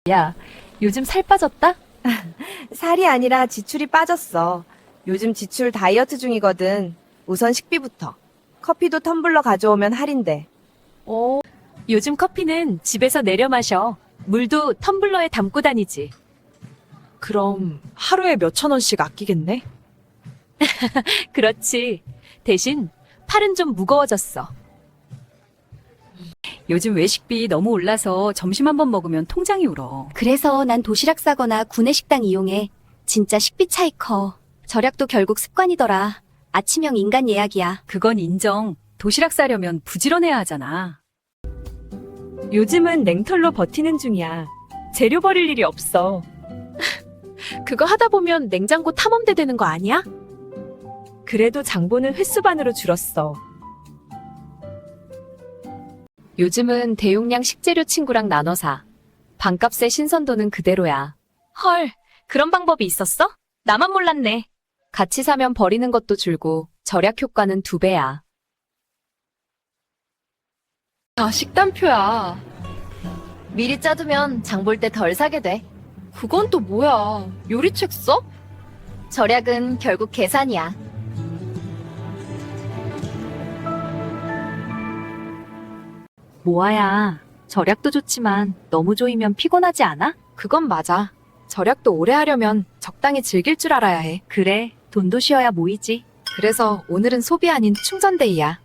야, 요즘 살 빠졌다? 살이 아니라 지출이 빠졌어. 요즘 지출 다이어트 중이거든. 우선 식비부터. 커피도 텀블러 가져오면 할인돼. 요즘 커피는 집에서 내려 마셔. 물도 텀블러에 담고 다니지. 그럼 하루에 몇천 원씩 아끼겠네? 그렇지. 대신 팔은 좀 무거워졌어. 요즘 외식비 너무 올라서 점심 한 번 먹으면 통장이 울어. 그래서 난 도시락 싸거나 구내식당 이용해. 진짜 식비 차이 커. 절약도 결국 습관이더라. 아침형 인간 예약이야. 그건 인정. 도시락 싸려면 부지런해야 하잖아. 요즘은 냉털로 버티는 중이야. 재료 버릴 일이 없어. 그거 하다 보면 냉장고 탐험대 되는 거 아니야? 그래도 장보는 횟수반으로 줄었어. 요즘은 대용량 식재료 친구랑 나눠 사. 반값에 신선도는 그대로야. 헐, 그런 방법이 있었어? 나만 몰랐네. 같이 사면 버리는 것도 줄고 절약 효과는 2배야. 다 식단표야. 미리 짜두면 장 볼 때 덜 사게 돼. 그건 또 뭐야? 요리책 써? 절약은 결국 계산이야. 모아야, 절약도 좋지만 너무 조이면 피곤하지 않아? 그건 맞아. 절약도 오래 하려면 적당히 즐길 줄 알아야 해. 그래, 돈도 쉬어야 모이지. 그래서 오늘은 소비 아닌 충전데이야.